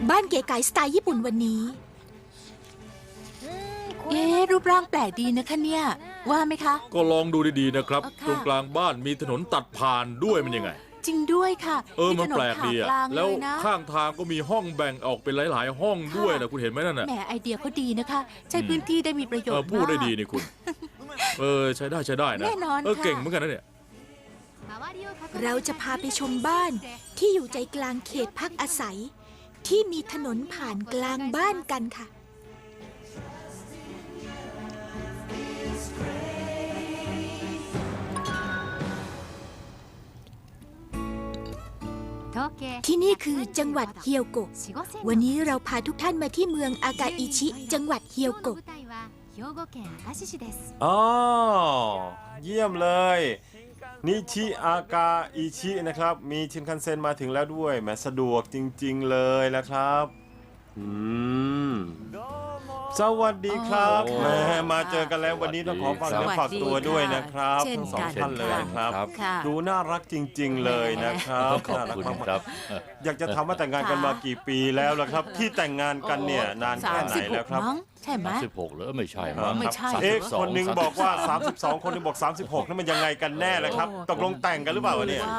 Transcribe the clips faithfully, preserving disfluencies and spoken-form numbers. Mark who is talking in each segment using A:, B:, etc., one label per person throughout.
A: บ้านเก๋ไก๋สไตล์ญี่ปุ่นวันนี้
B: เอ๊ะรูปร่างแปลกดีนะคะเนี่ยว่าไหมคะ
C: ก็ลองดูดีๆนะครับ
B: เอาค่ะ
C: ตรงกลางบ้านมีถนนตัดผ่านด้วยมันยังไง
B: จริงด้วยค่ะ
C: เออมันแปลกดี
B: ถ
C: อะ
B: ผ่ากลาง
C: แล้ว
B: เยนะ
C: ข้างทางก็มีห้องแบ่งออกเป็นหลายๆ ห้องด้วยนะคุณเห็นไหมนั่นน่ะ
B: แหมไอเดียเขาดีนะคะ ใช้พื้นที่ได้มีประโยช
C: เออ
B: น์
C: พูดได้
B: มาก
C: ดีนี่คุณ เออใช้ได้ใช้ได้นะ
B: แน่นอน
C: เออ
B: ค่ะ
C: เก่งเหมือนกันนะเนี่ย
A: เราจะพาไปชมบ้านที่อยู่ใจกลางเขตพักอาศัย ที่มีถนนผ่านกลางบ้านกันค่ะ ที่นี่คือจังหวัดเฮียวโกะ วันนี้เราพาทุกท่านมาที่เมืองอากาอิชิ จังหวัดเฮียวโกะ
D: อ๋อเยี่ยมเลย นิชิอากาอิชินะครับ มีชินคันเซ็นมาถึงแล้วด้วยแหมสะดวกจริงๆเลยนะครับอืมสวัสดีครับ
B: อ๋อ
D: แหมมาเจอกันแล้ววันนี้ต้องขอฝากเนื้อฝากตัวด้วยนะครับ
B: เช่น
D: ทั้งสอง
B: กัน
D: ท่านเลยนะครับ
B: ครับค่ะ
D: ดูน่ารักจริง ๆ เลยนะครับ
E: ขอบ
D: น่ารัก
E: คุณ
D: มาก
E: ครับ
D: ๆอยากจะถามว่าแต่งงานกันมากี่ปีแล้วล่ะครับ ที่แต่งงานกันเนี่ยนานแค่ไหนแล้วครับ
B: สามสิหกมั้งใช่ไหม
E: สิบหกเหรอไม่ใช่มั้ง
B: ไม่ใช่
D: เอ๊ะ
E: สามสิบสอง
D: คนหนึงบอกว่า สามสิบสอง คนหนึงบอก สามสิบหกนั่นมันยังไงกันแน่ล่ะครับ ตกลงแต่งกันหรือเปล่าวะเนี่ย
B: ว่า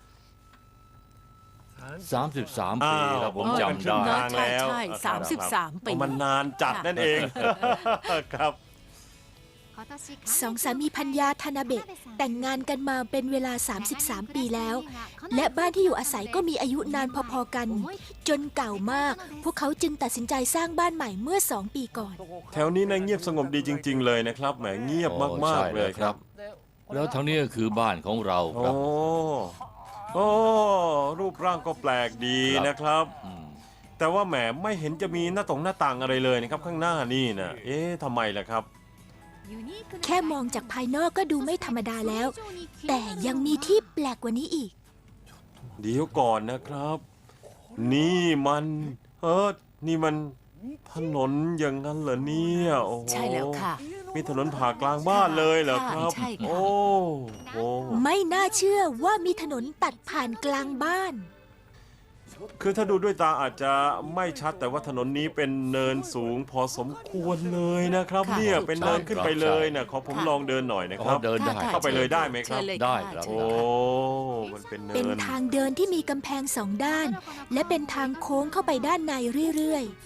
E: สามสิบสามปี
D: อ้าว
E: ครับผม
D: อ๋อ
E: จำ
D: ครึ่ง
E: ได้
D: ทางแล้ว
B: ใช่ใช่สามสิบสามปี
D: มันนานจัดนั่นเอง ครับ
A: สองสามีพัญญาทานาเบะแต่งงานกันมาเป็นเวลา สามสิบสาม ปีแล้ว และบ้านที่อยู่อาศัยก็มีอายุนานพอๆกัน จนเก่ามาก พวกเขาจึงตัดสินใจสร้างบ้านใหม่เมื่อสองปีก่อน
D: แถวนี้นะเงียบสงบดีจริง ๆ เลยนะครับแหมเงียบมากๆเลยครับ
E: แล้วทั้งนี้ก็คือบ้านของเราค
D: โอ้
E: รับ
D: โอ้รูปร่างก็แปลกดีนะครับ
E: อืม
D: แต่ว่าแหมไม่เห็นจะมีหน้าตรงหน้าต่างอะไรเลยนะครับข้างหน้านี่นะเอ๊ะทำไมล่ะครับ
A: แค่มองจากภายนอกก็ดูไม่ธรรมดาแล้ว แต่ยังมีที่แปลกกว่านี้อีก
D: เดี๋ยวก่อนนะครับ นี่มันเออนี่มันถนนอย่างนั้นเหรอเนี่ยโอ้โห
B: ใช่แล้วค่ะ
D: มีถนนผ่ากลางบ้านเลยเหรอครับ
B: ใช่ค่ะ
D: โอ้โห
A: ไม่น่าเชื่อว่ามีถนนตัดผ่านกลางบ้าน
D: คือถ้าดูด้วยตาอาจจะไม่ชัดแต่ว่าถนนนี้เป็นเนินสูงพอสมควรเลยนะครับ
B: ค่ะ
D: เนี่ยเป็นเนินขึ้นไปเลยนะขอผม
B: ค่ะ
D: ลองเดินหน่อยนะค
E: อ๋อ
D: รับ
E: เดินได้
B: ค่ะ
D: เข้าไปเลยได้ไหมครับ
B: เชิญเลย
E: ได้
B: ะ
E: ครับ
B: เชิ
D: โอ้
B: ญเลยค่ะ
D: มันเป็นเนิ
A: เป็น
D: น
A: ทางเดินที่มีกำแพงสองด้าน และเป็นทางโค้งเข้าไปด้านในเรื่อยๆ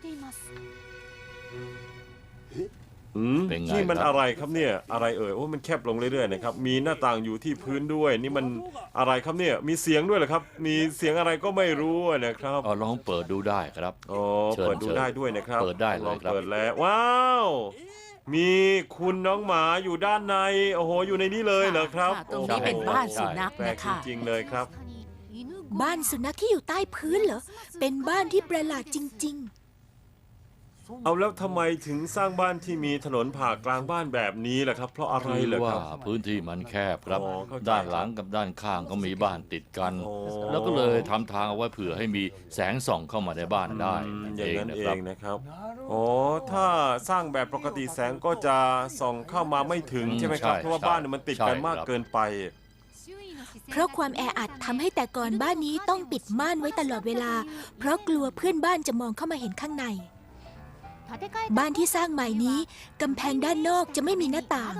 D: อืม
E: เป็นไง
D: นี่มัน
E: ครับ
D: อะไรครับเนี่ยอะไรเอ่ยโอ้มันแคบลงเรื่อยๆนะครับมีหน้าต่างอยู่ที่พื้นด้วย นี่มันอะไรครับเนี่ยมีเสียงด้วยเหรอครับ มีเสียงอะไรก็ไม่รู้นะครับ
E: เอาลองเปิดดูได้ครับ
D: อ๋อ
E: เชิญ
D: เปิดดู
E: เชิญ
D: ได้ด้วยนะครับ
E: เปิดได้เลย
D: ลอง
E: ครับ
D: เปิดแล้วว้าวมีคุณน้องหมาอยู่ด้านในโอ้โหอยู่ในนี้เลยเหรอครับ
B: ะตรงนี้เป็นบ้านสุนัข
D: แปล
B: นะ
D: ก
B: คะ
D: จริงๆเลยครับ
A: บ้านสุนัขที่อยู่ใต้พื้นเหรอ เป็นบ้านที่ประหลาดจริง
D: เอาแล้วทำไมถึงสร้างบ้านที่มีถนนผ่ากลางบ้านแบบนี้ล่ะครับ เพราะอะไร
E: คือ
D: เหรอ
E: ว่า
D: ครับ
E: พื้นที่มันแคบครับ
D: อ๋อเข้าใจ
E: ด้านหลังกับด้านข้างก็มีบ้านติดกัน
D: โอ้
E: แล้วก็เลยทำทางเอาไว้เผื่อให้มีแสงส่องเข้ามาในบ้านได้
D: อืม
E: นั่น
D: อ
E: เอย่าง ง
D: นั้น
E: นะ
D: เอ
E: ครับ
D: งนะครับโอ้ถ้าสร้างแบบปกติแสงก็จะส่องเข้ามาไม่ถึง
E: อืม
D: ใช่ไหมครับ
E: ใช่
D: เพราะว่าบ้านเนี่ยมันติดกัน
E: ใช่
D: มาก
E: ครับ
D: เกินไป
A: ๆ เพราะความแออัดทำให้แต่ก่อนบ้านนี้ต้องปิดม่านไว้ตลอดเวลา เพราะกลัวเพื่อนบ้านจะมองเข้ามาเห็นข้างใน บ้านที่สร้างใหม่นี้กำแพงด้านนอกจะไม่มีหน้าต่าง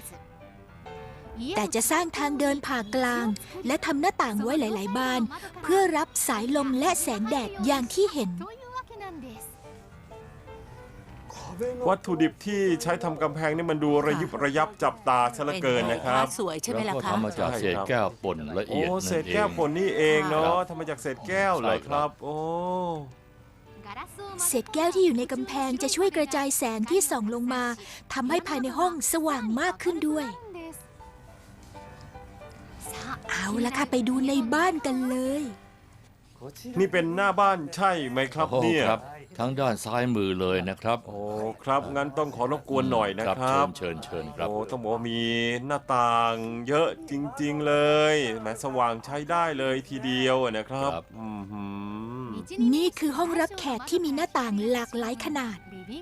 A: แต่จะสร้างทางเดินผ่ากลาง และทำหน้าต่างไว้หลาย ๆ บาน เพื่อรับสายลมและแสงแดดอย่างที่เห็น
D: วัตถุดิบที่ใช้ทำกำแพงนี่มันดูระยิบระยับจับตาซะเหลือเกินนะครับ
B: สวยใช่ไหม
E: แล้ว
B: ล่ะ
E: ก็
B: คะ
E: ทำมาจาก
D: ใช่
E: เศษ
D: ครับ
E: แก้วป่นละ
D: โอ้
E: เอียดนั่น
D: เศษ
E: เอง
D: แก้วผลนี่เองเนาะ
E: ครับ
D: ทำมาจากเศษแก้วเหรอ
E: ใช่
D: ค
E: ครั
D: รับ
E: บ
D: โอ้
A: เศษแก้วที่อยู่ในกำแพงจะช่วยกระจายแสงที่ส่องลงมาทำให้ภายในห้องสว่างมากขึ้นด้วย เอาละค่ะไปดูในบ้านกันเลย
D: นี่เป็นหน้าบ้านใช่ไหมครับ
E: โอ้โห
D: เนี่ย
E: ครับทั้งด้านซ้ายมือเลยนะครับ
D: โอ้ครับงั้นต้องขอรบกวนหน่อยนะครับ
E: เชิญเชิญเชิญครับ
D: โอ้ต้องบอกว่ามีหน้าต่างเยอะจริงๆเลยแหมสว่างใช้ได้เลยทีเดียวอะนะครับ
E: ครับ
D: อืมหืม
A: นี่คือห้องรับแขกที่มีหน้าต่างหลากหลายขนาด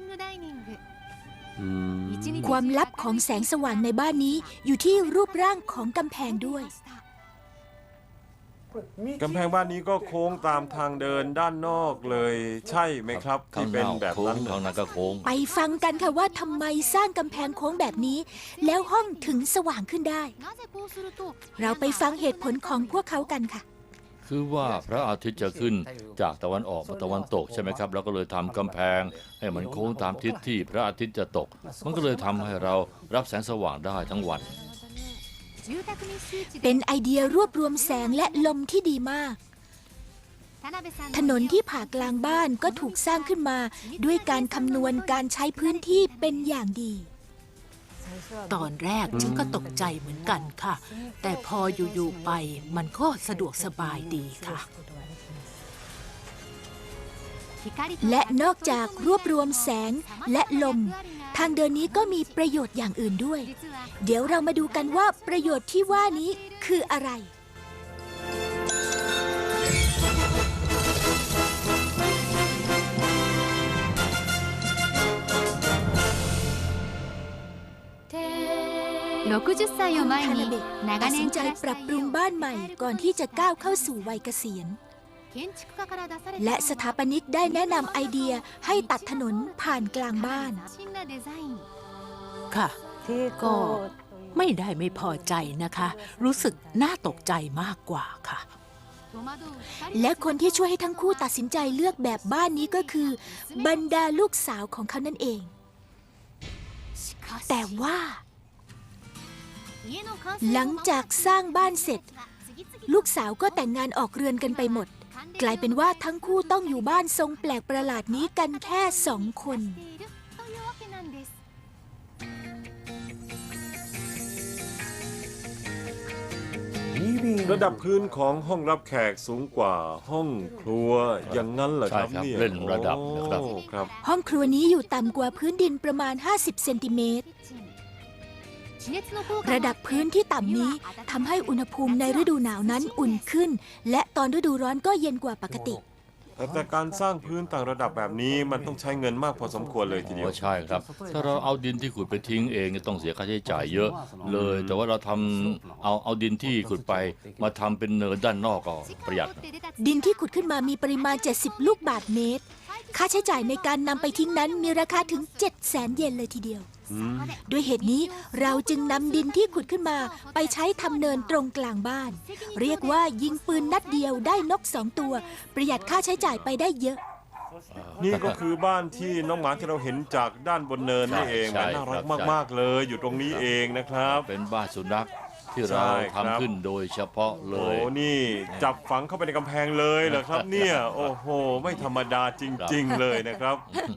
D: อืม
A: ความลับของแสงสว่างในบ้านนี้อยู่ที่รูปร่างของกำแพงด้วย
D: กำแพงบ้านนี้ก็โค้งตามทางเดินด้านนอกเลยใช่ไหมครับ
E: ข้า
D: ที่
E: ง
D: เป็น
E: นอก
D: แบบ
E: โค้
D: นั้
E: ง
D: น
E: ข้างในก็โค้ง
A: ไปฟังกันค่ะว่าทำไมสร้างกำแพงโค้งแบบนี้ แล้วห้องถึงสว่างขึ้นได้ เราไปฟังเหตุผลของพวกเขากันค่ะ
E: คือว่าพระอาทิตย์จะขึ้นจากตะวันออกมาตะวันตกใช่ไหมครับแล้วก็เลยทำกำแพงให้มันโค้งตามทิศที่พระอาทิตย์จะตก มันก็เลยทำให้เรารับแสงสว่างได้ทั้งวัน
A: เป็นไอเดียรวบรวมแสงและลมที่ดีมาก ถนนที่ผ่ากลางบ้านก็ถูกสร้างขึ้นมาด้วยการคำนวณการใช้พื้นที่เป็นอย่างดี
B: ตอนแรกฉันก็ตกใจเหมือนกันค่ะ แต่พออยู่ๆไปมันก็สะดวกสบายดีค่ะ
A: และนอกจากรวบรวมแสงและลม ทางเดินนี้ก็มีประโยชน์อย่างอื่นด้วย เดี๋ยวเรามาดูกันว่าประโยชน์ที่ว่านี้คืออะไร
F: ろくじゅっさいを前
A: ทานา
F: に
A: เบะ
F: 長
A: ตัดสิน
F: 年
A: ใจ
F: 暮ら
A: ป
F: して
A: รับ
F: い
A: ปรุง
F: る
A: บ้านใหม่ก่อนที่จะก้าวเข้าสู่วัยเกษียณ
F: 建築家から出された
A: และสถาปนิกได้แนะนำไอเดียให้ตัดถนนผ่านกลางบ้าน
F: 斬新なデザイン
B: ค่ะ ก็ไม่ได้ไม่พอใจนะคะ รู้สึกน่าตกใจมากกว่าค่ะ
F: 戸惑う二人
A: และคนที่ช่วยให้ทั้งคู่ตัดสินใจเลือกแบบบ้านนี้ก็คือ บรรดาลูกสาวของเขานั่นเอง
F: しかし
A: แต่ว่า
F: 家の完成
A: หลังจากสร้างบ้านเสร็จ ลูกสาวก็แต่งงานออกเรือนกันไปหมด กลายเป็นว่าทั้งคู่ต้องอยู่บ้านทรงแปลกประหลาดนี้กันแค่สองคน
F: というわけなんです
D: ระดับพื้นของห้องรับแขกสูงกว่าห้องครัวอย่างนั้นเหรอครับ
E: ใช่ครับ
D: เนี่ย
E: เล่นระดับนะครับ
D: โอ้ครับ
A: ห้องครัวนี้อยู่ต่ำกว่าพื้นดินประมาณ ห้าสิบ เซนติเมตร
F: 地熱の効果
A: ระดับพื้นที่ต่ำนี้ทำให้อุณหภูมิในฤดูหนาวนั้นอุ่นขึ้น และตอนฤดูร้อนก็เย็นกว่าปกติ
D: แต่แต่การสร้างพื้นต่างระดับแบบนี้มันต้องใช้เงินมากพอสมควรเลยทีเดียว
E: อ๋อใช่ครับ ถ้าเราเอาดินที่ขุดไปทิ้งเองเนี่ยต้องเสียค่าใช้จ่ายเยอะเลย แต่ว่าเราทำเอาเอาดินที่ขุดไปมาทำเป็นเนินด้านนอกก็ประหยัด
A: ดินที่ขุดขึ้นมามีปริมาณ เจ็ดสิบ ลูกบาศก์เมตร ค่าใช้จ่ายในการนำไปทิ้งนั้นมีราคาถึง เจ็ดแสน เยนเลยทีเดียว ด้วยเหตุนี้เราจึงนำดินที่ขุดขึ้นมาไปใช้ทำเนินตรงกลางบ้าน เรียกว่ายิงปืนนัดเดียวได้นกสองตัว ประหยัดค่าใช้จ่ายไปได้เยอะ
D: นี่ก็คือบ้านที่น้องหมาที่เราเห็นจากด้านบนเนินนี่เอง
E: ใช่
D: มันน่ารัก
E: ใช่
D: มากๆเลยอยู่ตรงนี้เองนะครับ
E: เป็นบ้านสุนัขที่เรา
D: ใช่ครับ
E: ทำขึ้นโดยเฉพาะเล
D: โอ้
E: ย
D: นี่จับฝังเข้าไปในกำแพงเลยเหรอครับเนี่ยโอ้โหไม่ธรรมดาจริง ๆ เลยนะครับ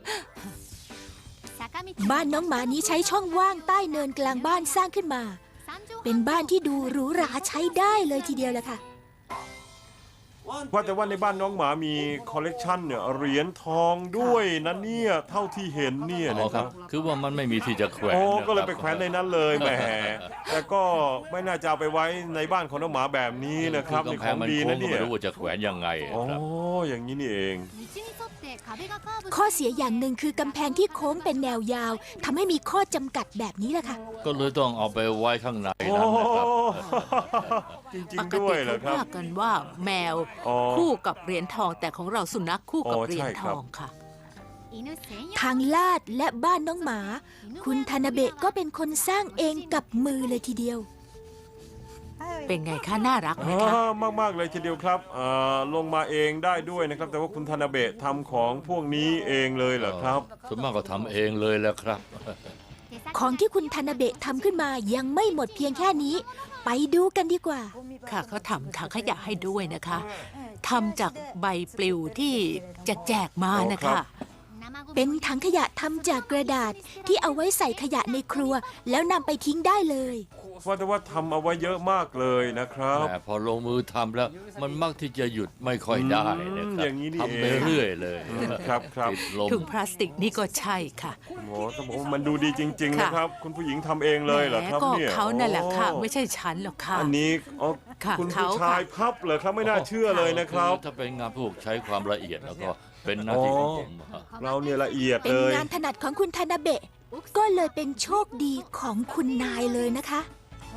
A: บ้านน้องหมานี้ใช้ช่องว่างใต้เนินกลางบ้านสร้างขึ้นมา เป็นบ้านที่ดูหรูหราใช้ได้เลยทีเดียวแหละค่ะ
D: ว่าแต่ว่าในบ้านน้องหมามีคอลเลกชันเนี่ยเหรียญทองด้วยนะเนี่ยเท่าที่เห็นเนี่ย
E: อ๋อ
D: นะ
E: ค
D: ค
E: รั
D: รับ บ
E: คือว่ามันไม่มีที่จะแขวน
D: โอ้
E: นะครับ
D: ก็เลยไปแขวนในนั้นเลยแหมแต่ก็ไม่น่าจะเอาไปไว้ในบ้านของน้องหมาแบบนี้นะครับ
E: คื
D: ใน
E: อกำแพ
D: ของ ง
E: มัน
D: ดี
E: โค้
D: นะ
E: งก็
D: เนี่
E: ไม่
D: ย
E: รู้ว่าจะแขวนยังไง
D: อ๋อ
E: ครับ
D: อย่างนี้นี่เอง
F: 道に沿って壁がカーブ
A: ข้อเสียอย่างหนึ่งคือกำแพงที่โค้งเป็นแนวยาวทำให้มีข้อจำกัดแบบนี้แหละค่ะ
E: ก็เลยต้องเอาไปไว้ข้างใน
D: โอ้
E: นั้นนะครับ
D: จริง
B: ป
D: ๆ
B: ก
D: ด้วย
B: ติ
D: เหรอค
B: เขา
D: รับ
B: ว่ากันว่าแมว
D: อ๋อ
B: คู่กับเหรียญทองแต่ของเราสุนัขคู่กับ
D: อ๋อ
B: เหรียญ
D: ใช่
B: ท
D: ครับ
B: องค่ะ
F: 犬専用
A: ทางลาดและบ้านน้องหมา คุณทานาเบะก็เป็นคนสร้างเองกับมือเลยทีเดียว
B: เป็นไงคะน่ารักไหมคะ
D: มากมากๆเลยทีเดียวครับเอ่อลงมาเองได้ด้วยนะครับ แต่ว่าคุณธนาเบะทำของพวกนี้เองเลยเหรอครับ
E: ส่วนมากก็ทำเองเลยแหละครับ
A: ของที่คุณทานาเบะทำขึ้นมายังไม่หมดเพียงแค่นี้ ไปดูกันดีกว่า
B: ค่ะเขาทำถังขยะให้ด้วยนะคะทำจากใบปลิวที่แจกๆมานะ
D: ครั
B: คะ
D: บ
A: เป็นถังขยะทำจากกระดาษที่เอาไว้ใส่ขยะในครัว แล้วนำไปทิ้งได้เลย
D: ว่าแต่ว่าทำเอาไว้เยอะมากเลยนะครับ
E: แต่พอลงมือทำแล้วมันมักที่จะหยุดไม่ค่อยได้นะค
D: อืม
E: รับ
D: อย่างนี้นี่
E: ทำไป
D: เอง
E: เรื่อยเลย
D: ครับครับ
E: ติดลม
B: ถุงพลาสติกนี่ก็ใช่ค่ะ
D: โอ้โหต้องบอกว่ามันดูดีจริง ๆ
B: ค่ะ
D: นะครับ คุณผู้หญิงทำเองเลยเหรอครับ
B: ก็
D: เนี่ย
B: เขานั่นแหละค่ะ
D: โอ้
B: ไม่ใช่ฉันหรอกค่ะ
D: อันนี้อ๋อ
B: ค่ะ
D: คุณ
B: เขา
D: ผู้ชาย
B: ค่ะ
D: พับเหรอครับไม่น่าเชื่อเลยนะครับ
E: อถ้าเป็นงานพวกใช้ความละเอียดแล้วก็เป็นหน้าที่ของผม
D: เราเนี่ยละเอียด
A: เป็น
D: เลย
A: งานถนัดของคุณทานาเบะ ก็เลยเป็นโชคดีของคุณนายเลยนะคะ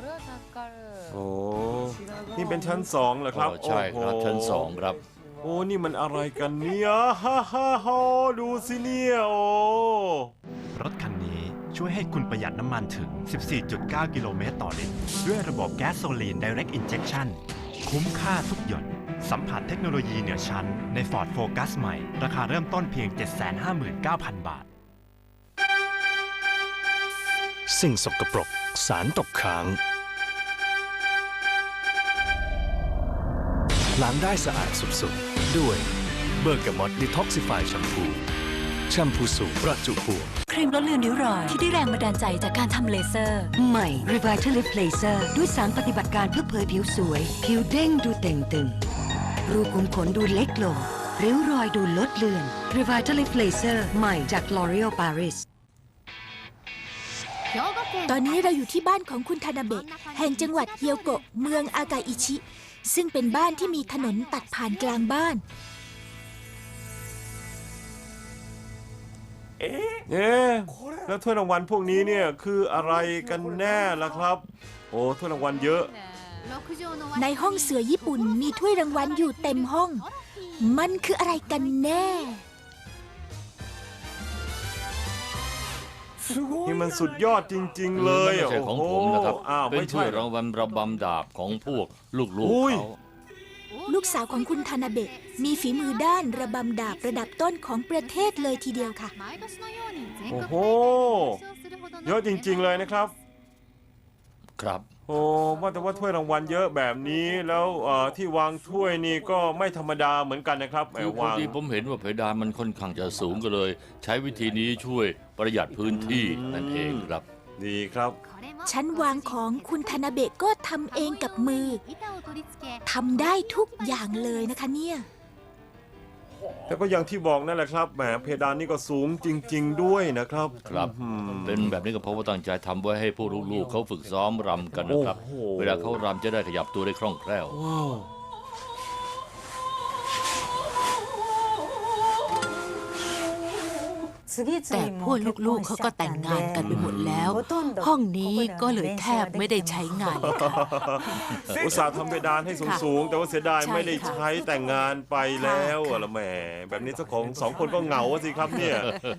D: โอ้ นี่เป็นชั้นสองเหรอครับ
E: อ๋อใช่ครับ
D: โอ้โห
E: ชั้นสองครับ
D: โอ้ นี่มันอะไรกันเนี่ยฮ่าฮ่าฮ่าดูสิเนี่ยโอ้
G: รถคันนี้ช่วยให้คุณประหยัดน้ำมันถึง สิบสี่จุดเก้า กิโลเมตรต่อลิตร ด้วยระบบแก๊สโซลีน Direct Injection คุ้มค่าทุกหยด สัมผัสเทคโนโลยีเหนือชั้นใน Ford Focus ใหม่ ราคาเริ่มต้นเพียง เจ็ดแสนห้าหมื่นเก้าพัน บาท
H: สิ่งสกปรกสารตกค้างล้างได้สะอาดสุดๆ ด้วยเบอร์กามอตดีท็อกซิฟายแชมพูแชมพูสูตรประจุบวก
I: ครีมลดเลือนริ้วรอยที่ได้แรงบันดาลใจจากการทำเลเซอร์ ใหม่ Revitalift Laser ด้วยสารปฏิบัติการเพื่อเผยผิวสวย ผิวเด้งดูเต่งตึง รูขุมขนดูเล็กลง ริ้วรอยดูลดเลือน Revitalift Laser ใหม่จาก L'Oreal Paris
A: ตอนนี้เราอยู่ที่บ้านของคุณทานาเบะแห่งจังหวัดเฮียวโกะเมืองอากาอิชิ ซึ่งเป็นบ้านที่มีถนนตัดผ่านกลางบ้าน
D: เอ๊ะแล้วถ้วยรางวัลพวกนี้เนี่ยคืออะไรกันแน่ล่ะครับ โอ้ถ้วยรางวัลเยอะ
A: ในห้องเสือญี่ปุ่นมีถ้วยรางวัลอยู่เต็มห้อง มันคืออะไรกันแน่
D: นี่มันสุดยอดจริงๆเลย
E: ไม่ใช่ของผมนะครับ
D: โอ้โหอ้าว
E: เป็น
D: ไม่
E: ถ้ว
D: ใช่
E: ยรางวัลระบำดาบของพวกลูก
D: อุ้
E: ๆ
D: ย
E: เขา
A: ลูกสาวของคุณทานาเบะมีฝีมือด้านระบำดาบระดับต้นของประเทศเลยทีเดียวค่ะ
D: โอ้โห เยอะจริงๆเลยนะครับ
E: ครับ
D: โอ้ว่าแต่ว่าถ้วยรางวัลเยอะแบบนี้แล้วเอ่อที่วางถ้วยนี่ก็ไม่ธรรมดาเหมือนกันนะครับแหม
E: คือพอ
D: วาง
E: ดีผมเห็นว่าเพดานมันค่อนข้างจะสูงก็เลย ใช้วิธีนี้ช่วยประหยัดพื้นที่นั่นเองครับ
D: ดีครับ
A: ชั้นวางของคุณทานาเบะก็ทำเองกับมือ ทำได้ทุกอย่างเลยนะคะเนี่ย
D: แต่ก็อย่างที่บอกนั่นแหละครับแหมเพดานนี่ก็สูงจริง ๆ ด้วยนะครับ
E: ครับ
D: อืม
E: เป็นแบบนี้ก็เพราะว่าตั้งใจทำไว้ให้พวกลูกๆเขาฝึกซ้อมรำกันนะครับ
D: โอ้โห
E: เวลาเขารำจะได้ขยับตัวได้คล่องแคล่ว
D: ว้าว
B: แต่พวกลูกๆเขาก็แต่งงานกันไปหมดแล้ว ห้องนี้ก็เลยแทบไม่ได้ใช้งานเลยค่ะ
D: อุตส่าห์ทำเพดานให้สูงๆแต่ว่าเสียดาย
B: ใช่
D: ไม่ได้
B: ค่ะ
D: ใช้แต่งงานไปแล้ว
B: ค่ะ
D: อะละแหมแบบนี้เจ้าของสองคนก็เหงาอะสิครับเนี่ย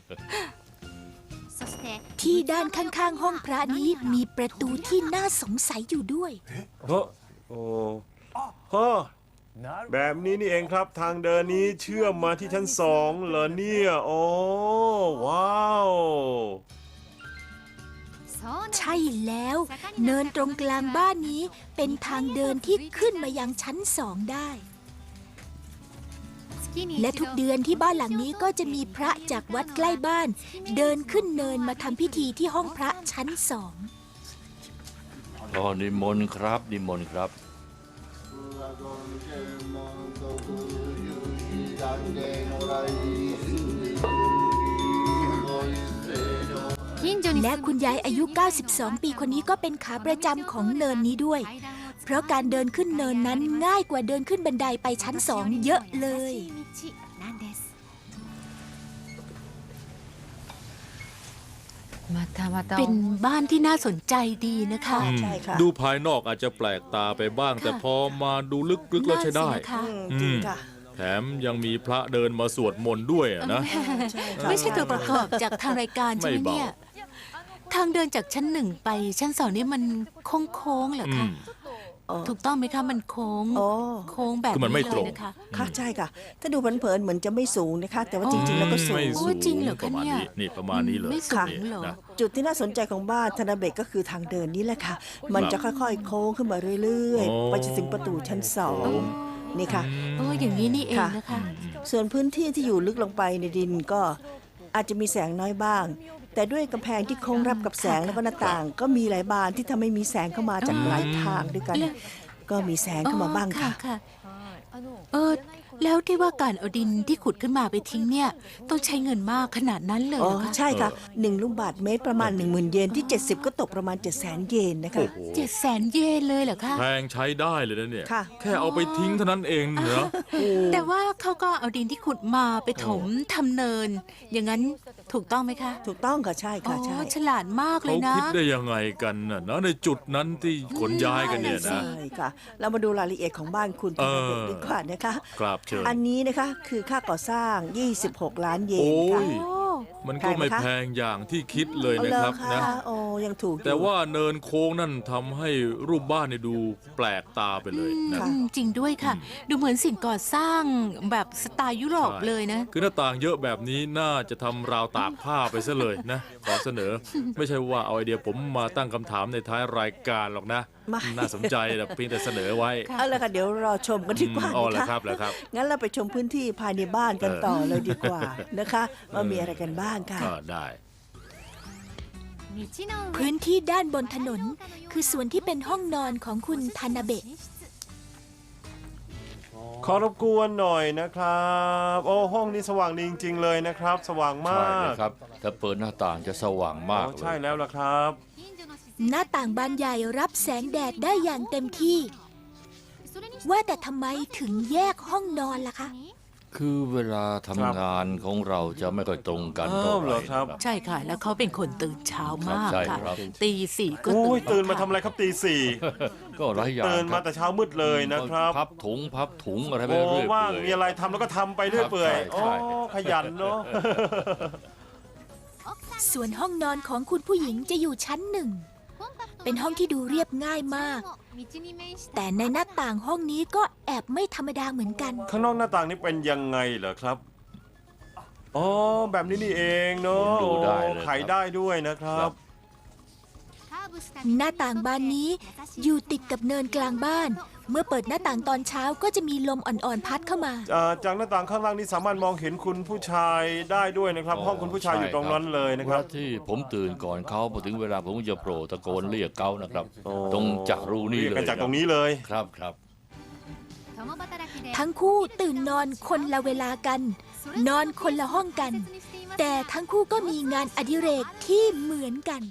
A: ที่ด้านข้างๆห้องพระนี้มีประตูที่น่าสงสัยอยู่ด้วย
D: เฮ้อโอ้เฮ้อแบบนี้นี่เองครับทางเดินนี้เชื่อมมาที่ชั้นสองเหรอเนี่ยโอ้ว้าว
A: ใช่แล้ว เนินตรงกลางบ้านนี้เป็นทางเดินที่ขึ้นมายังชั้นสองได้ และทุกเดือนที่บ้านหลังนี้ก็จะมีพระจากวัดใกล้บ้าน เดินขึ้นเนินมาทำพิธีที่ห้องพระชั้นสอง
E: อ๋อนิมนต์ครับนิมนต์ครับ
A: และคุณยายอายุ เก้าสิบสอง ปีคนนี้ก็เป็นขาประจำของเนินนี้ด้วย เพราะการเดินขึ้นเนินนั้นง่ายกว่าเดินขึ้นบันไดไปชั้นสองเยอะเลย
B: เป็นบ้านที่น่าสนใจดีนะคะ
C: อืม
J: ใช่ค่ะ
C: ดูภายนอกอาจจะแปลกตาไปบ้าง แต่พอมาดูลึกๆแล้วใช้ได้
B: น่าสินะคะ
J: อืมจริงค่ะ
C: แถมยังมีพระเดินมาสวดมนต์ด้วยอะนะ
J: ใช่ค่ะ
B: ไม่ใช่ตัวประกอบจากทางรายการใช่ไหม
C: ไม่เบา
B: เนี่ย ทางเดินจากชั้นหนึ่งไปชั้นสองนี่มันโค้งๆเหรอ
C: อื
B: คะ
C: ม
J: อ๋อ
B: ถูกต้องไหมคะมันโค้ง
J: โอ้
B: โค้งแบบ
C: คือมันไม่
B: นี้
C: ต
B: เล
C: ร
B: ย
C: ง
B: นะคะ
J: ค่ะใช่ค่ะ ถ้าดูเผินๆเหมือนจะไม่สูงนะคะ แต่ว่าจริงๆแล้วก็สูง
C: ไม่
B: โอ้
C: สูง
B: จริงเหรอ
C: ป
B: คะ
C: ระมาณ
B: เนี่ย
C: นี้นี่ประมาณนี้เลย
B: ไม่สูง
C: นี่
B: เหรอ
C: นะ
J: จุดที่น่าสนใจของบ้านธนาเบกก็คือทางเดินนี้แหละค่ะ มันจะค่อยๆ โค้งขึ้นมาเรื่อย
C: โอ้
J: ๆ ไปจนถึงประตูชั้นสองนี่ค่ะ
B: โอ้อย่างนี้นี่เองนะคะ
J: ส่วนพื้นที่ที่อยู่ลึกลงไปในดินก็อาจจะมีแสงน้อยบ้าง แต่ด้วยกำแพงที่โค้งรับกับแสงแล้วก็หน้าต่าง ก็มีหลายบานที่ทำให้มีแสงเข้ามาจากหลายทางด้วยกัน
B: แล้ว
J: ก็มีแสงเข้ามาบ้างค่ะ
B: ค่ะเออแล้วที่ว่าการเอาดินที่ขุดขึ้นมาไปทิ้งเนี่ยต้องใช้เงินมากขนาดนั้นเลย
J: อ๋อ
B: เหรอคะ
J: ใช่ค่ะหนึ่งลูกบาทเมตรประมาณ หนึ่งหมื่น เยนที่ เจ็ดสิบ ก็ตกประมาณ เจ็ดแสน เยนนะคะ
C: โอ้โห
B: เจ็ดแสนเยนเลยเหรอคะ
C: แพงใช้ได้เลยนะเนี่ย
J: ค่ะ
C: แค่เอาไปทิ้งเท่านั้นเองเหรอ
B: แต่ว่าเขาก็เอาดินที่ขุดมาไปถมทำเนิน อย่างนั้นถถูกต้องไหมคะ
J: ถูกต้องค่ะใช่
B: อ๋
J: ค่ะ
B: อ
J: ใช่
B: ฉลาดมากเล
C: เขา
B: ยนะ
C: คิดได้ยังไงกันน่ะนะในจุดนั้นที่ขนย้ายกันเนี่ยนะ
J: ใช่ค่ะ เรามาดูรายละเอียดของบ้านคุณ
C: เอ
J: ธน
C: อ
J: เบศดีกว่านะคะ
C: ครับเชิญ
J: อันนี้นะคะคือค่าก่อสร้าง ยี่สิบหก ล้านเย
C: โอ้
J: นค่ะ
C: ย มันก็ไม่แพงอย่างที่คิดเลยนะครับ
J: เอา
C: นะ
J: เหอโอ้ยังถูกอยู่
C: แต่ว่าเนินโค้งนั่นทำให้รูปบ้านเนี่ยดูแปลกตาไปเลยนะ
J: ค่ะ
B: อืมจริงด้วยค่ะ ดูเหมือนสิ่งก่อสร้างแบบสไตล์ยุโรป
C: ใช่
B: เลยนะ
C: คือหน้าต่างเยอะแบบนี้น่าจะทำราวตากผ้าไปซะเลยนะ ขอเสนอ ไม่ใช่ว่าเอาไอเดียผมมาตั้งคำถามในท้ายรายการหรอกนะ
J: ไม่
C: น่าสนใจแต่เพียงแต่เสนอไว้
J: เอาละค่ะเดี๋ยวรอชมกันดีกว่า
C: อ๋อเหรอ
J: นะ
C: ครั
J: คะ
C: บเหรอครับ
J: งั้นเราไปชมพื้นที่ภายในบ้านกัน
C: เออ
J: ต่อเลยดีกว่านะคะว่ามีอะไรกันบ้างค่ะ
C: ก็ได้
A: พื้นที่ด้านบนถนน คือส่วนที่เป็นห้องนอนของคุณทานาเบะ
D: ขอรบกวนหน่อยนะครับ โอ้ห้องนี้สว่างดีจริงๆเลยนะครับ สว่างมา
E: ใช่เล
D: ก
E: ยครับถ้าเปิดหน้าต่างจะสว่างมาก
D: โอ้
E: เล
D: ใช่
E: ย
D: แล้วล่ะครับ
A: หน้าต่างบานใหญ่รับแสงแดดได้อย่างเต็มที่ ว่าแต่ทำไมถึงแยกห้องนอนล่ะคะ
E: คือเวลาทำงานของเราจะไม่ค่อยตรงกันเท่า
D: อ้าว
E: ไห
D: เหร
E: ร่
D: อครับ
E: นะ
B: ใช่ค่ะ แล้วเขาเป็นคนตื่นเช้ามาก
E: ครับใช่
B: ค่ะ
E: ครับ
B: ตีสี่ก็
D: โอ้
B: ตื่
D: ย
B: น
D: ตื่นมาทำอะไรครับตีสี่
E: ก็หลายอย่าง
D: ตื่นมาแต่เช้ามืดเลยนะครับ
E: พับถุงพับถุงอะไรไป
D: โอ้
E: เรื่อยๆ
D: ว่างมีอะไรทำแล้วก็ทำไปเรื่อยเปื่อย
E: ใช่
D: โอ้
E: ใช่
D: ขยันเนาะ
A: ส่วนห้องนอนของคุณผู้หญิงจะอยู่ชั้นหนึ่ง เป็นห้องที่ดูเรียบง่ายมาก แต่ในหน้าต่างห้องนี้ก็แอบไม่ธรรมดาเหมือนกัน
D: ข้างนอกหน้าต่างนี่เป็นยังไงเหรอครับอ๋อแบบนี้นี่เองเนาะ
E: ดูได้เลยครับ
D: ไขได้ด้วยนะครับ
A: หน้าต่างบานนี้อยู่ติดกับเนินกลางบ้าน เมื่อเปิดหน้าต่างตอนเช้าก็จะมีลมอ่อนๆพัดเข้ามา
D: อ่าจากหน้าต่างข้างล่างนี่สามารถมองเห็นคุณผู้ชายได้ด้วยนะครับ ห้องคุณผู้ชายอยู่ตรงนั้นเลยนะครับ
E: เวลาที่ผมตื่นก่อนเขาพอถึงเวลาผมก็จะโผล่ตะโกนเรียกเขานะครับ
D: โอ้
E: ตรงจากรูนี่
D: เรียก
E: เลย
D: กันจากตรงนี้เลย
E: ครับครับ
A: ทั้งคู่ตื่นนอนคนละเวลากัน นอนคนละห้องกัน แต่ทั้งคู่ก็มีงานอดิเรกที่เหมือนกัน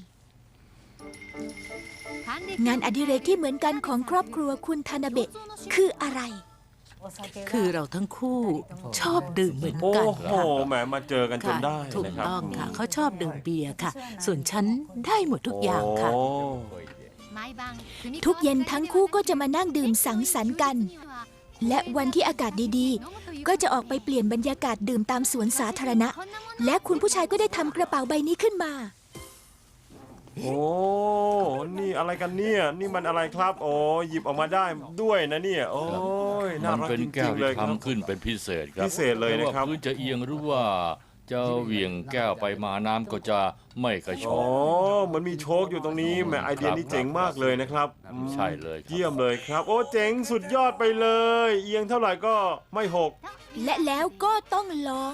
A: งานอดิเรกที่เหมือนกันของครอบครัวคุณทานาเบะคืออะไร
B: คือเราทั้งคู่ชอบดื่มเหมือน
D: โอ้
B: กัน
D: โห
B: ค่ะ
D: แหมมาเจอกันจน
B: ค่ะ
D: ได้
B: ถูก
D: นะครับ
B: ต้องค่ะ เขาชอบดื่มเบียร์ค่ะ ส่วนฉันได้หมดทุกอย่างค่ะ
D: โอ้
A: ทุกเย็นทั้งคู่ก็จะมานั่งดื่มสังสรรค์กัน และวันที่อากาศดีๆ ก็จะออกไปเปลี่ยนบรรยากาศดื่มตามสวนสาธารณะ และคุณผู้ชายก็ได้ทำกระเป๋าใบนี้ขึ้นมา
D: โอ้ นี่อะไรกันเนี่ย นี่มันอะไรครับ โอ้หยิบออกมาได้ด้วยนะเนี่ย โอ้ย น่า
E: มัน
D: รัก
E: เป็น
D: จ
E: แก้
D: ริ
E: ว
D: งๆเล
E: ที่
D: ยครับ
E: ทำขึ้นเป็นพิเศษครับ
D: พิเศษเลยนะครับ
E: ไม่ว่าพื้นจะเอียงหรือว่าจะเหวี่ยงแก้วไปมาน้ำก็จะไม่กระช
D: อ๋
E: อ
D: อก มันมีโชคอยู่ตรงนี้แหมไอเดียนี้เจ๋งมากเลยนะครับอืม
E: ใช่เลยครับ
D: เยี่ยมเลยครับ โอ้เจ๋งสุดยอดไปเลย เอียงเท่าไหร่ก็ไม่หก
A: และแล้วก็ต้องลอง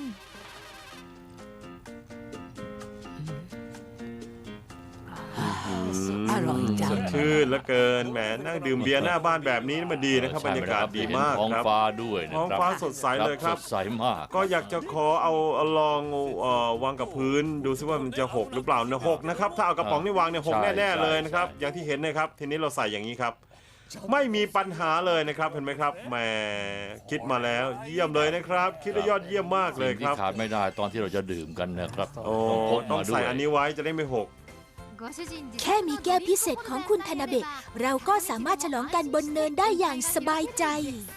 B: อร่อยจั
D: ส
B: ง
D: ดชื่นเหลือเกินแหมนั่งดื่มเบียร์หน้าบ้านแบบนี้มันดีนะครับบรรยากาศดีมาก
E: ท้อง
D: ครับ
E: ฟ้าด้วยนะ
D: ท้อง
E: ครับ
D: ฟ้าสดใสเลยครับ
E: สดใสมาก
D: ก็อยากจะขอเอาเอาลองเอ่อวางกับพื้น ดูซิว่ามันจะหกหรือเปล่านะหกนะครับถ้าเอากระป๋องนี่วางเนี่ยหก
E: ใช่
D: แน่ๆเลย
E: ใช่
D: นะครับ
E: ใช่
D: อย่างที่เห็นนะครับ ทีนี้เราใส่อย่างนี้ครับ ไม่มีปัญหาเลยนะครับเห็นไหมครับแหมคิดมาแล้วเยี่ยมเลยนะครับ คิดได้ยอดเยี่ยมมากเลย
E: สิ่ง
D: ค
E: ที่
D: รับ
E: ขาดไม่ได้ตอนที่เราจะดื่มกันนะครับ
D: โอ้
E: ต้องพก
D: ต้อง
E: มาด้ว
D: ใส่
E: ย
D: อันนี้ไว้จะได้ไม่หก
A: แค่มีแก้วพิเศษของคุณทานาเบะเราก็สามารถฉลองกันบนเนินได้อย่างสบายใจ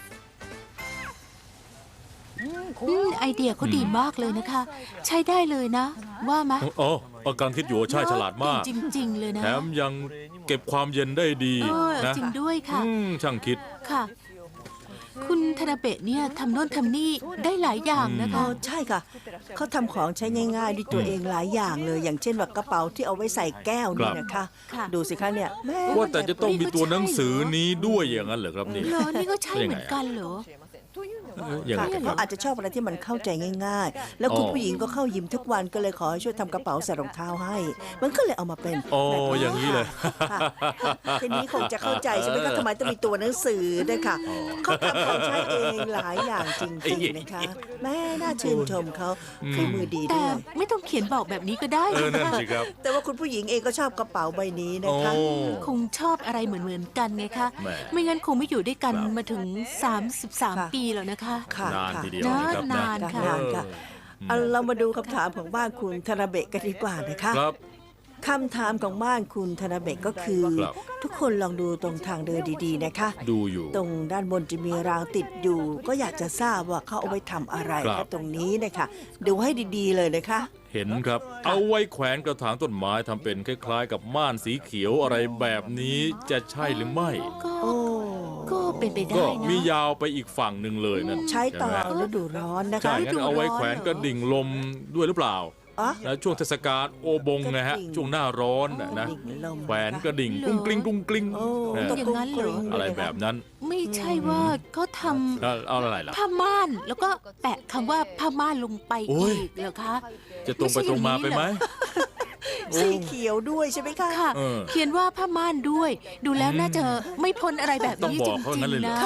B: อืมไอเดียเขาดีมากเลยนะคะ ใช้ได้เลยนะ ว่าไหม
C: โอ้อาการคิดอยู่ว่าใช่ฉลาดมาก
B: จริง ๆ เลยนะ
C: แถมยังเก็บความเย็นได้ดี
B: เออ
C: นะ
B: จริงด้วยค่ะ
C: อืมช่างคิด
B: ค่ะ คุณธนาเบะเนี่ยทำโน่นทำนี่ได้หลายอย่างนะ
J: อ๋อ
B: คะ
J: ใช่ค่ะ เขาทำของใช้ง่ายๆด้วยตัวเองหลายอย่างเลย อย่างเช่นแบบกระเป๋าที่เอาไว้ใส่แก้วนี่นะคะ
B: ค่ะ
J: ดูสิคะเนี่ยแม่
C: ว่าแต่จะต้องมีตัวหนังสือนี้ด้วยอย่างนั้นเหรอครับนี่
B: เหรอนี่ก็ใช่เหมือนกันเหรอ
C: อย่าง
J: ค่ะ
C: นั้น
J: เขาอาจจะชอบอะไรที่มันเข้าใจง่าย ๆ แล้วคุณ
C: อ๋อ
J: ผู้หญิงก็เข้ายิมทุกวันก็เลยขอให้ช่วยทำกระเป๋าใส่รองเท้าให้ มันก็เลยเอามาเป็น
C: อ๋อ
J: แบบ
C: อย่างนี้เลย
J: ค่ะทีนี้คงจะเข้าใจใช่ไหมคะทำไมต้องมีตัวหนังสือด้วยค่ะเขาทำของใช้เองหลายอย่างจริงๆนะคะแม่น่าชื่นชมเขาฝีมือดี
B: แต่
J: ด้วย
B: ไม่ต้องเขียนบอกแบบนี้ก็ได้
C: เออนั่นสิครับ
J: แต่ว่าคุณผู้หญิงเองก็ชอบกระเป๋าใบนี้นะ
C: โอ้
J: คะ
B: คงชอบอะไรเหมือนๆกันไงคะ
C: แหม
B: ไม่งั้นคงไม่อยู่ด้วยกัน
C: ครับ
B: มาถึง สามสิบสาม
J: ค่ะ
B: ปีแล้วนะคะ
J: ค่ะ
C: นาน
J: ค่ะ
C: ทีเดียวนะครับ
B: นาน
C: นะ
B: ค่ะ
J: นานค่ะ
C: เออ
J: เอาเรามาดูคำถามของบ้านคุณธนาเบะกันดีกว่านะคะ
C: ครับ
J: คำถามของบ้านคุณธนาเบะก็คือ
C: ครับ
J: ทุกคนลองดูตรงทางเดินดีๆนะคะ
C: ดูอยู่
J: ตรงด้านบนจะมีรางติดอยู่ ก็อยากจะทราบว่าเขาเอาไว้ทำอะไร
C: ครับ
J: นะตรงนี้นะคะดูให้ดีๆเลยนะคะ
C: เห็นครับ เอาไว้แขวนกระถางต้นไม้ทำเป็นคล้ายๆ กับม่านสีเขียวอะไรแบบนี้จะใช่หรือไม่
A: ก็
J: โอ้
A: ก็เป็นไปได้
C: ก็
A: นะ
C: มียาวไปอีกฝั่งหนึ่งเลยนั่น
J: ใช้ตอน
C: ไหม
J: ฤดูร้อนนะคะ
C: ใช่งั้นเอาไว้แขวนกระดิ่งลมด้วยหรือเปล่า
J: อ๋อ
C: แล้วช่วงเทศกาลโอบงนะฮะ
J: กระดิ่ง
C: ช่วงหน้าร้อนน่ะนะ
J: กระดิ่งลม
C: แขวนกระดิ่งกรุ้งกลิ้งกรุ้งกลิ้ง
J: โอ้
C: นะ
J: ตก
A: อย่างนั้นเหรอ
J: กงๆ
C: อะไร
J: เลย
C: แบบนั้น
A: ไม่ใช่ว่าเขาท
C: แล้วเอาอะไรล่ะ
A: ำผ้าม่านแล้วก็แปะคำว่าผ้าม่านลงไป
C: โอ้ย
A: อีกเหรอคะ
C: จะตรงไปตรงมาไปไหม
J: สีเขียวด้วยใช่ไหมคะ
A: ค่ะ
C: เออ
A: เขียนว่าผ้าม่านด้วย ดูแล้วน่าจะไม่พ้นอะไรแบบ
C: ต้อง
A: นี้
C: บ
A: จ
C: อกเขาอ
A: ริ
C: ย่าง งนั้นเลยเหรอ
A: ๆนะ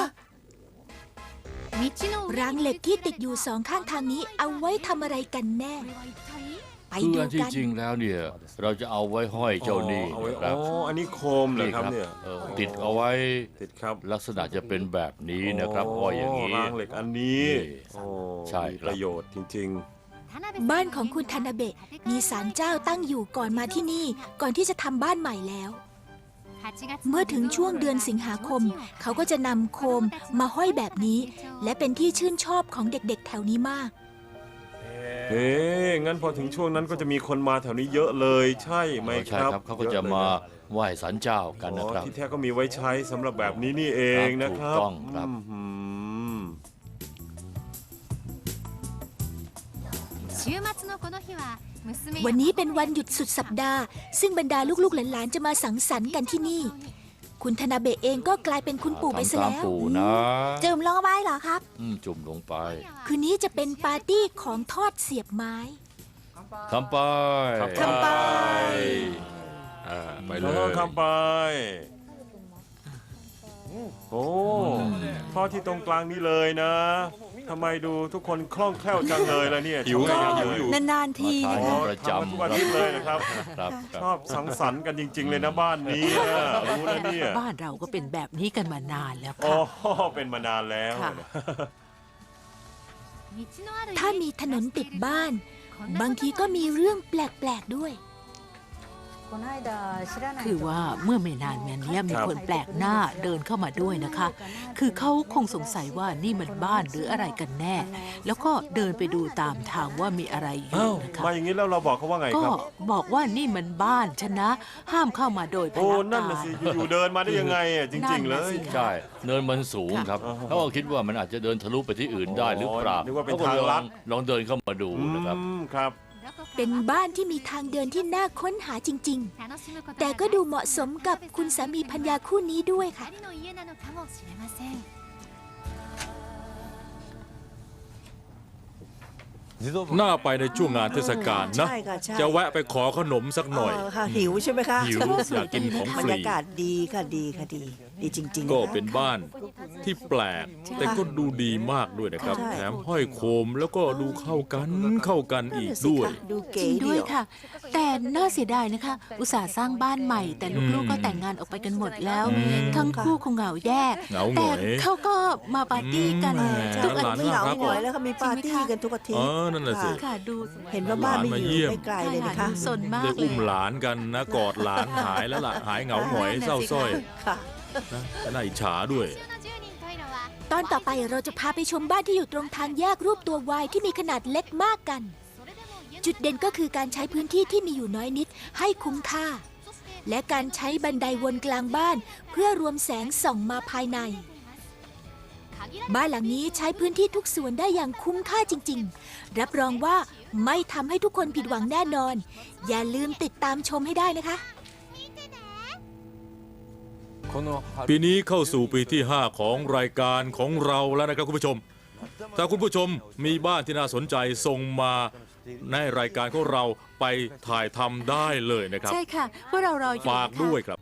F: ราร
A: าง ง
F: เห
A: เห
F: ล็
A: ล็
F: ก
A: ก
F: ที่
A: ที่
F: ติ
A: ติ
F: ด
A: ด
F: อ
A: อยู่ ยู่สองข้างทางนี้เอาไว้ทำอะไรกันแน่ ไป
E: คือ
A: ดู
E: อันที่
A: กัน
E: จริงแล้วเนี่ย เราจะเอาไว้ห้อยเจ้านี่
D: เอาไว้
E: นะครับ
D: อ๋ออันนี้โคมเหรอครับเนี่ย
E: เออติดเอาไว้
D: ติดครับ
E: ลักษณะจะเป็นแบบนี้นะครับห้อยอย่างนี้
D: รางเหล็กอันนี้
E: นี่
D: โอ้
E: ใช่
D: มี
E: ครับ
D: ประโยชน์จริง
A: บ้านของคุณธนาเบะมีศาลเจ้าตั้งอยู่ก่อนมาที่นี่ ก่อนที่จะทำบ้านใหม่แล้ว เมื่อถึงช่วงเดือนสิงหาคม เขาก็จะนำโคมมาห้อยแบบนี้ และเป็นที่ชื่นชอบของเด็กๆแถวนี้มาก
D: ๆ เฮ้งั้นพอถึงช่วงนั้นก็จะมีคนมาแถวนี้เยอะเลย ใช่ไหม
E: ใช่
D: ครับ
E: ครับเขาก็จะมาไหว้ศาลเจ้ากัน
D: อ๋
E: นะ
D: อ
E: ครับ
D: ที่แท้ก็มีไว้ใช้สำหรับแบบนี้นี่เองนะครับ
E: ถูกต้องครับ
D: อืม
A: วันนี้เป็นวันหยุดสุดสัปดาห์ ซึ่งบรรดาลูกๆหลานๆจะมาสังสรรค์กันที่นี่ คุณธนาเบะเองก็กลายเป็นคุณปู่ไปซะ
E: ทำตาม
A: แล้ว
E: ปู่นะ
A: จืมลงไปเหรอครับ
E: อืมจุ่มลงไป
A: คืนนี้จะเป็นปาร์ตี้ของทอดเสียบไม้
E: ทำไป
D: ทำไป
C: อ่าไป
D: ไป
C: เล
D: เลย
C: ย
D: ข้ามไป โอ้ทอดที่ตรงกลางนี้เลยนะทำไมดูทุกคนคล่องแคล่วจังเลยล่ะเนี่ย
C: หิว
D: ชอบ
C: หิ
D: หิ
C: ว
D: ว
C: อ
D: อยู่ ยู่
A: นานๆที
E: มา
A: นะ
E: ทาน
A: คะ
E: ประ
D: ทำมาทุก
E: จำ
D: อาทิตย์เลยนะครับ
E: ครับค
D: ช
E: รับ
D: อบสังสรรค์กันจริง ๆ เลยนะบ้านนี้นะรู้นะเนี่ย
B: บ้านเราก็เป็นแบบนี้กันมานานแล้ว
D: อ๋อ
B: ค่ะ
D: เป็นมานานแล้ว
B: ค่ะ
A: ถ้ามีถนนติดบ้าน บางทีก็มีเรื่องแปลกๆด้วย
B: คือว่าเมื่อไม่นานมานี้มีคนแปลกหน้าเดินเข้ามาด้วยนะคะ คือเขาคงสงสัยว่านี่มันบ้านหรืออะไรกันแน่ แล้วก็เดินไปดูตามทางว่ามีอะไรอยู่
D: อ้าว
B: นะคะ
D: มาอย่างนี้แล้วเราบอกเขาว่าไง
B: ก็
D: ครับ
B: บอกว่านี่มันบ้านฉันนะ ห้ามเข้ามาโดยพ
D: โอ้
B: ล
D: นั่น
B: กา
D: น่ะ
B: ร
D: สิอยู่ๆเดินมาได้ยังไงอ่ะจริง ๆ เลย
B: นั่นน่ะสิคะ
E: ใช่ เนินมันสูงครับ
D: ค่ะ
E: เขาก็คิดว่ามันอาจจะเดินทะลุไปที่อื่นได้หรือเปล่า
D: นึกว่าเป็น
E: ขก็
D: ทางลัด
E: ลลองเดินเข้ามาดู
D: อื
E: นะครับ
D: มครับ
A: เป็นบ้านที่มีทางเดินที่น่าค้นหาจริง ๆ แต่ก็ดูเหมาะสมกับคุณสามีภรรยาคู่นี้ด้วยค่ะ
C: น่าไปในช่วงงานเทศกาลนะ
J: ใช่ค่ะใช่
C: จะแวะไปขอขนมสักหน่อย
J: เค่ะหิวใช่ไหมคะ
C: หิวอยากกินของ
J: บ
C: ฟ
J: รร
C: รี
J: ยากาศดีค่ะดีค่ะดี ดีจริงๆ
C: ก็
J: นะคะ
C: เป็นบ้านที่แปลก แต่ก็ดูดีมากด้วยนะครับ
J: ใช่
C: แถมห้อยโคมแล้วก็ดูเข้ากันเข้ากันอีกด้วย
J: ดู
A: จ
J: เก๋
A: ริงด้วย
J: เดียว
A: ค่ะ แต่น่าเสียดายนะคะ อุตส่าห์สร้างบ้านใหม่ แต่ลูกๆก็แต่งงานออกไปกันหมดแล้ว
C: อืม
A: ทั้งคู่คงเหงาแย่
C: เหงาหง
A: แต่
C: อย
A: เขาก็มาปาร์ตี้กัน
C: อืม
A: ทุกอา
C: หลาน
A: ทิต
J: ไม่
A: ย์
J: เหงา
C: ครับ
J: หน่อยแล้วค่ะมีปาร์ตี้กันทุกอาทิต
C: เอ
J: ย์
C: อนั่นน่ะสิ
A: ค่ะดู
J: เห็นว่าบ้านไม่
C: หลานมา
J: อ
C: เยี่
J: ยู่
C: ยม
J: ไม่ไกลเลยนะคะ
A: ดูสนมาก
C: ได้
A: เล
C: อุ้
A: ย
C: มหลานกันนะกอดหลานหายแล้วล่ะหายเหงาหงอยเศร้าสร้อย
J: ค่ะ
C: นะน่าอิจฉาด้วย
A: ตอนต่อไปเราจะพาไปชมบ้านที่อยู่ตรงทางแยกรูปตัววายที่มีขนาดเล็กมากกัน จุดเด่นก็คือการใช้พื้นที่ที่มีอยู่น้อยนิดให้คุ้มค่า และการใช้บันไดวนกลางบ้าน เพื่อรวมแสงส่องมาภายใน บ้านหลังนี้ใช้พื้นที่ทุกส่วนได้อย่างคุ้มค่าจริงๆ รับรองว่าไม่ทำให้ทุกคนผิดหวังแน่นอน อย่าลืมติดตามชมให้ได้นะคะ
C: ปีนี้เข้าสู่ปีที่ ห้า ของรายการของเราแล้วนะครับคุณผู้ชม ถ้าคุณผู้ชมมีบ้านที่น่าสนใจส่งมาในรายการของเราไปถ่ายทำได้เลยนะครับ
A: ใช่ค่ะพวกเรารออยู่
C: ฝากด้วยครับ